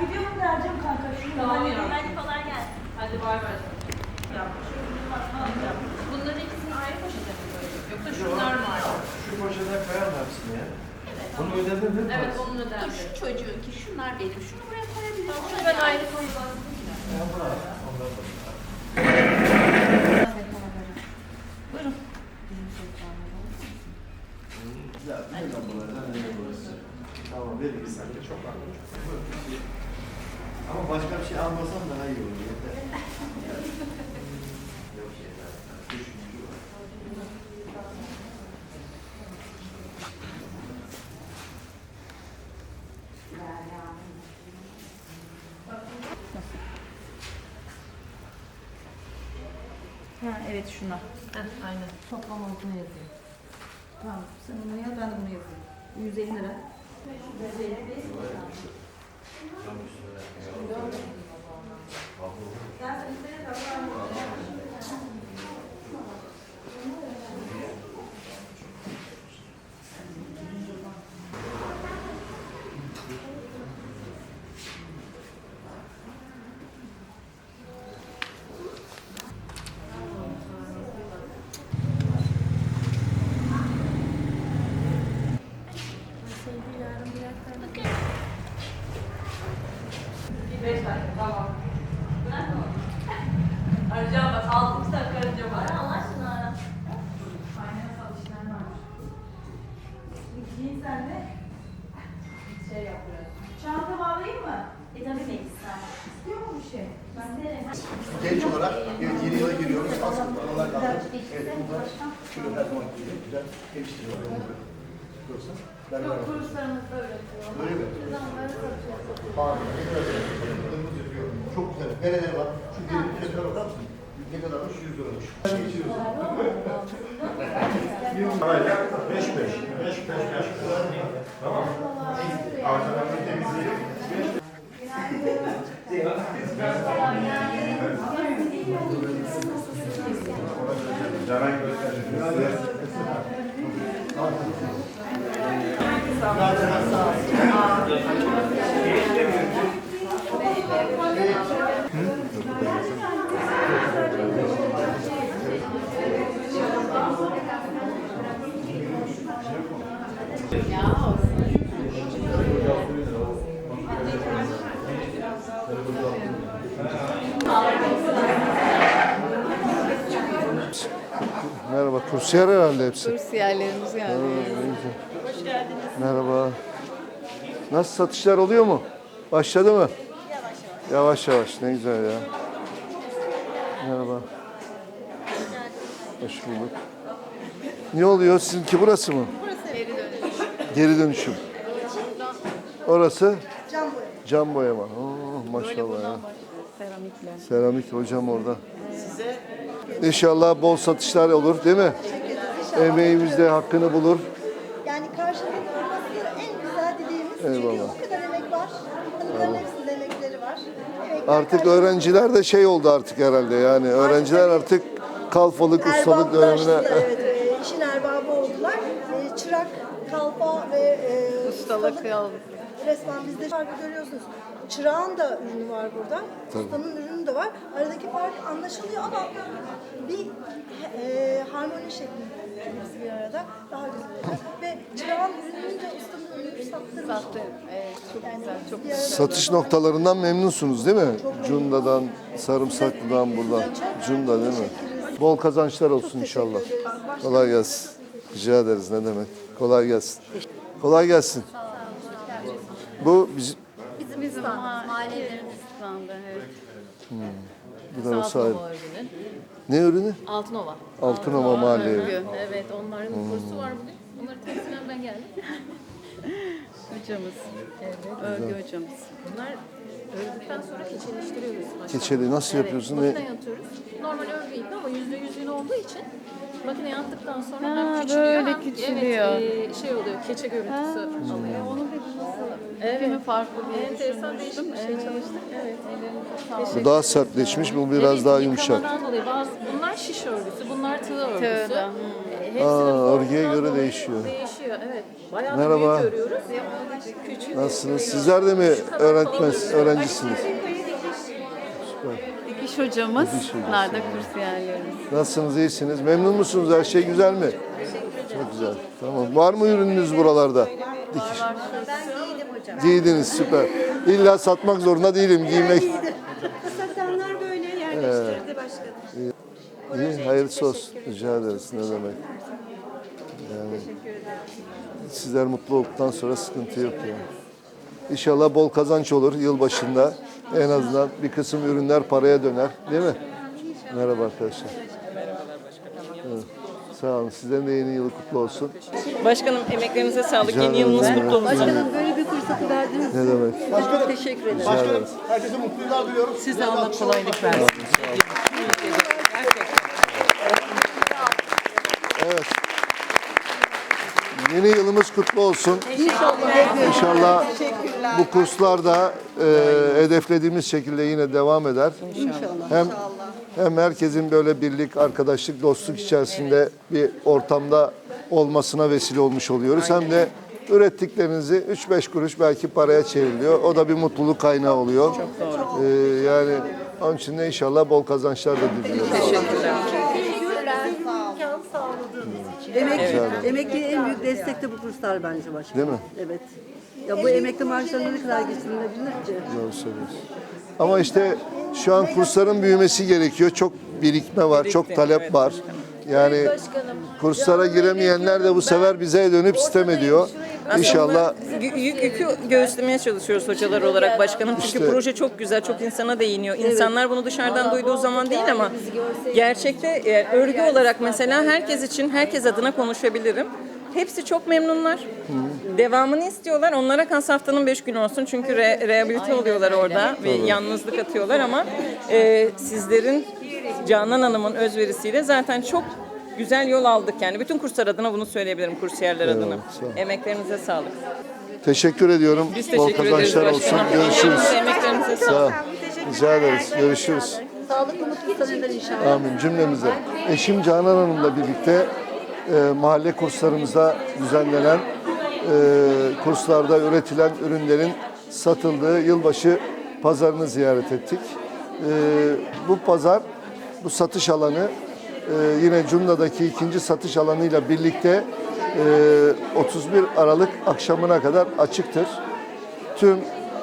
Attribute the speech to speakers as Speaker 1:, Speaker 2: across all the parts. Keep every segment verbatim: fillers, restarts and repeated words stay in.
Speaker 1: gidiyorum dereceğim kanka. Şunu
Speaker 2: Tamam ya.
Speaker 3: Hadi kolay gelsin.
Speaker 2: Hadi bay bay. Bunların ikisini ayrı poşete mi koyuyoruz? Yoksa şunlar mı ayrı?
Speaker 4: Şu poşete koyar mısın ya?
Speaker 3: Evet.
Speaker 4: Bunu ödedin değil mi?
Speaker 2: Evet, onun
Speaker 3: Dur
Speaker 2: ödendi.
Speaker 3: şu çocuğun ki şunlar benim. Şunu buraya koyabilirim.
Speaker 2: Şunu ben ayrı koyayım.
Speaker 4: Ya bırak. Ondan sonra.
Speaker 3: Buyurun.
Speaker 4: Ya bir de bunlardan ne burası? Tamam verin bir saniye çok anladım. Ama başka bir şey almasam daha iyi olur. Yeter. Yok şeyler. Düşüncü var.
Speaker 1: Ha evet şuna.
Speaker 2: Heh, aynen.
Speaker 1: Toplam olduğunu yazayım. Tamam sen bunu yaz ben de bunu yazayım. yüz elli lira.
Speaker 2: Beş dakika, tamam. Arayacağım bak, altı dakika arayacağım bak.
Speaker 3: Allah aşkına.
Speaker 2: Aynen satışlar var.
Speaker 1: Giyin sen de.
Speaker 2: Şey yapıyoruz.
Speaker 1: Çanta bağlayayım mı?
Speaker 3: E tabii ki ister.
Speaker 1: İstiyor mu bir şey?
Speaker 3: İsterim.
Speaker 4: Genç olarak evet, yeni yıla giriyoruz. Asıl paralar kaldı. Evet bunlar şöyle her zaman gibi güzel geliştiriyorlar. Yoksa ben
Speaker 2: Yok, kurslarımızda öğretiyor.
Speaker 4: Öyle mi?
Speaker 2: Biz onları satıyoruz.
Speaker 4: Harika. Ne kadar yapıyoruz yapıyor. Çok güzel. Nereler var? Şu gelin fiyatına bakar mısın? Ne kadarmış? yüz liramış. Geçiyoruz. Parayla beş beş. beş beş beş. Tamam. Arkalarını temizleyelim. Canan göstereceğiz. Merhaba, kursiyer herhalde hepsi.
Speaker 5: Kursiyerlerimiz geldi.
Speaker 3: Hoş geldiniz.
Speaker 4: Merhaba. Nasıl satışlar oluyor mu? Başladı mı?
Speaker 3: Yavaş yavaş.
Speaker 4: Yavaş yavaş, ne güzel ya. Merhaba. Hoş bulduk. Ne oluyor? Sizinki burası mı?
Speaker 5: Geri dönüş.
Speaker 4: Geri dönüşüm. Orası?
Speaker 1: Cam boya.
Speaker 4: Cam boyama. Oo,
Speaker 5: Böyle
Speaker 4: maşallah ya.
Speaker 5: buradan başlıyor. Seramikle.
Speaker 4: Seramik hocam orada. İnşallah bol satışlar olur değil mi? Emeğimiz de hakkını bulur.
Speaker 6: Yani karşılıklı olması en güzel dileğimiz. Çünkü
Speaker 4: Eyvallah.
Speaker 6: o kadar emek var. Hanımların hepsinin emekleri var. Emekler
Speaker 4: Artık
Speaker 6: karşılıklı.
Speaker 4: öğrenciler de şey oldu artık herhalde yani. Öğrenciler artık kalfalık, ustalık dönemine...
Speaker 6: Erbaplaştılar, evet, e, işin erbabı oldular. E, çırak, kalfa ve e,
Speaker 5: Ustalık yol.
Speaker 6: resmen bizde farkı görüyorsunuz. Çırağın da ürünü var burada. Ustanın ürünü de var. Aradaki fark anlaşılıyor ama bir e, harmoni şeklinde hepsi bir arada daha güzel oluyor. Ve çırağın ürününü de ustanın ürünü sattırmış.
Speaker 5: Sattı. Evet, çok güzel. Çok
Speaker 6: Bir arada.
Speaker 4: Satış noktalarından memnunsunuz değil mi? Cunda'dan, Sarımsaklı'dan buradan. Cunda değil mi? Bol kazançlar olsun inşallah. Kolay gelsin. Rica ederiz ne demek. Kolay gelsin. Kolay gelsin. Bu biz,
Speaker 5: Bizim bizim mahallelerimiz standı. Evet.
Speaker 4: bu da sahibi.
Speaker 2: Altınova ürünü.
Speaker 4: Ne ürünü?
Speaker 2: Altınova.
Speaker 4: Altınova Mahalle Evi.
Speaker 2: Örgü. Evet, onların kursu var bugün. Onları temsilen ben geldim.
Speaker 5: Hocamız. Evet. Örgü hocamız.
Speaker 2: Bunlar ördükten sonra keçeleştiriyoruz. başta.
Speaker 4: Keçeli nasıl
Speaker 2: Evet,
Speaker 4: yapıyorsun?
Speaker 2: makineye
Speaker 4: Ne?
Speaker 2: atıyoruz. Normal örgü gibi ama yüzde yüz yün olduğu için makineye attıktan sonra
Speaker 5: Ha,
Speaker 2: hem küçülüyor
Speaker 5: böyle
Speaker 2: hem
Speaker 5: küçülüyor.
Speaker 2: Evet, e, şey oluyor, keçe görüntüsü alıyor.
Speaker 5: Onu peki nasıl?
Speaker 2: Evet.
Speaker 5: Değil mi? Farklı bir
Speaker 2: Enteresan değişik bir şey
Speaker 5: Evet.
Speaker 2: çalıştık. Evet.
Speaker 4: Bu daha sertleşmiş, bu biraz
Speaker 2: Evet,
Speaker 4: daha yumuşak.
Speaker 2: yıkamadan dolayı bazı, bunlar şiş örgüsü, bunlar tığ örgüsü.
Speaker 5: Tığda,
Speaker 2: Ee, hepsinin
Speaker 4: Aa,
Speaker 2: boyundan
Speaker 4: örgüye göre
Speaker 2: dolayı
Speaker 4: değişiyor.
Speaker 2: Değişiyor, evet. Bayağı
Speaker 4: Merhaba.
Speaker 2: büyük görüyoruz. Küçük.
Speaker 4: Nasılsınız? Sizler de mi öğretmen, öğrencisiniz?
Speaker 5: Dikiş hocamız,
Speaker 4: Dikiş hocası.
Speaker 5: bunlar da kursiyerlerimiz.
Speaker 4: Nasılsınız? İyisiniz? Memnun musunuz? Her şey güzel mi? Çok güzel. Tamam. Var mı ürününüz buralarda? Dikiş. Giydiniz, süper. İlla satmak zorunda değilim, giymek.
Speaker 6: Satanlar böyle yerleştirdi başkanım.
Speaker 4: İyi, hayırlısı olsun. Rica ederiz. Ne demek? Yani, sizler mutlu olduktan sonra sıkıntı yok yani. İnşallah bol kazanç olur yılbaşında. En azından bir kısım ürünler paraya döner. Değil mi? Merhaba arkadaşlar. Evet. Sağ olun. Sizlerin de yeni yılı kutlu olsun.
Speaker 7: Başkanım emeklerinize sağlık.
Speaker 4: Rica
Speaker 7: Yeni
Speaker 4: ederim.
Speaker 7: yılınız
Speaker 4: Ne
Speaker 7: kutlu
Speaker 4: demek?
Speaker 7: olsun.
Speaker 5: Başkanım böyle bir fırsatı verdiniz.
Speaker 4: Ne demek?
Speaker 5: Çok teşekkür ederim.
Speaker 4: Rica ederiz.
Speaker 8: Herkese mutlu yıllar diliyorum.
Speaker 7: Size Allah kolaylık versin.
Speaker 4: Evet. Yeni yılımız kutlu olsun. İnşallah. İnşallah bu kurslar da e, hedeflediğimiz şekilde yine devam eder. İnşallah. Hem hem herkesin böyle birlik, arkadaşlık, dostluk içerisinde bir ortamda olmasına vesile olmuş oluyoruz. Hem de ürettiklerinizi üç beş kuruş belki paraya çevriliyor. O da bir mutluluk kaynağı oluyor. Çok doğru. Ee, yani onun için de inşallah bol kazançlar da diliyoruz.
Speaker 7: Teşekkürler.
Speaker 9: Emekli, emekliye en büyük destek de bu kurslar bence başkanım.
Speaker 4: Değil mi?
Speaker 9: Evet. Ya bu emekli maaşlarına ne kadar geçirilebilir ki?
Speaker 4: Doğru söylüyorsun. Ama işte şu an kursların büyümesi gerekiyor. Çok birikme var, çok talep var. Yani kurslara giremeyenler de bu sefer bize dönüp sistem ediyor. İnşallah
Speaker 7: Yük, yük, yükü göğüslemeye çalışıyoruz hocalar olarak başkanım. Çünkü
Speaker 4: İşte.
Speaker 7: proje çok güzel, çok insana değiniyor. İnsanlar bunu dışarıdan duyduğu zaman değil ama gerçekte e, örgü olarak mesela herkes için, herkes adına konuşabilirim. Hepsi çok memnunlar. Devamını istiyorlar. Onlara kas haftanın beş günü olsun. Çünkü re, rehabilite oluyorlar orada ve yalnızlık atıyorlar ama e, sizlerin Canan Hanım'ın özverisiyle zaten çok güzel yol aldık yani. Bütün kurslar adına bunu söyleyebilirim, kursiyerler adına.
Speaker 4: sağ ol.
Speaker 7: Emeklerinize sağlık.
Speaker 4: teşekkür ediyorum.
Speaker 7: Biz
Speaker 4: Bol
Speaker 7: teşekkür ederiz
Speaker 4: kazançlar olsun.
Speaker 7: başkanım.
Speaker 4: Görüşürüz.
Speaker 7: Emeklerinize
Speaker 4: Sağ
Speaker 7: sağlık.
Speaker 4: ol. Rica ederiz. Görüşürüz.
Speaker 9: Sağlıklı mutlu seneler inşallah.
Speaker 4: Amin cümlemize. Eşim Canan Hanım'la birlikte e, mahalle kurslarımızda düzenlenen e, kurslarda üretilen ürünlerin satıldığı yılbaşı pazarını ziyaret ettik. E, bu pazar, bu satış alanı e, yine Cunda'daki ikinci satış alanıyla birlikte e, otuz bir Aralık akşamına kadar açıktır. Tüm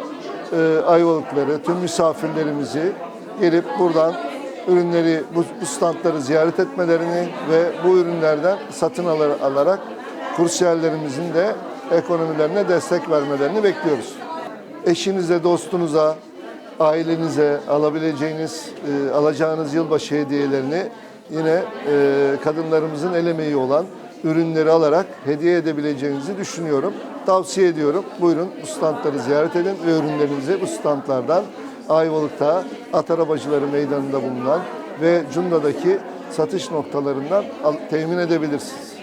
Speaker 4: e, Ayvalıkları, tüm misafirlerimizi gelip buradan ürünleri, bu, bu standları ziyaret etmelerini ve bu ürünlerden satın alır, alarak kursiyerlerimizin de ekonomilerine destek vermelerini bekliyoruz. Eşinize, dostunuza, ailenize alabileceğiniz, e, alacağınız yılbaşı hediyelerini yine e, kadınlarımızın el emeği olan ürünleri alarak hediye edebileceğinizi düşünüyorum. Tavsiye ediyorum. Buyurun bu standları ziyaret edin ve ürünlerinizi bu standlardan Ayvalık'ta At Arabacıları Meydanı'nda bulunan ve Cunda'daki satış noktalarından al- temin edebilirsiniz.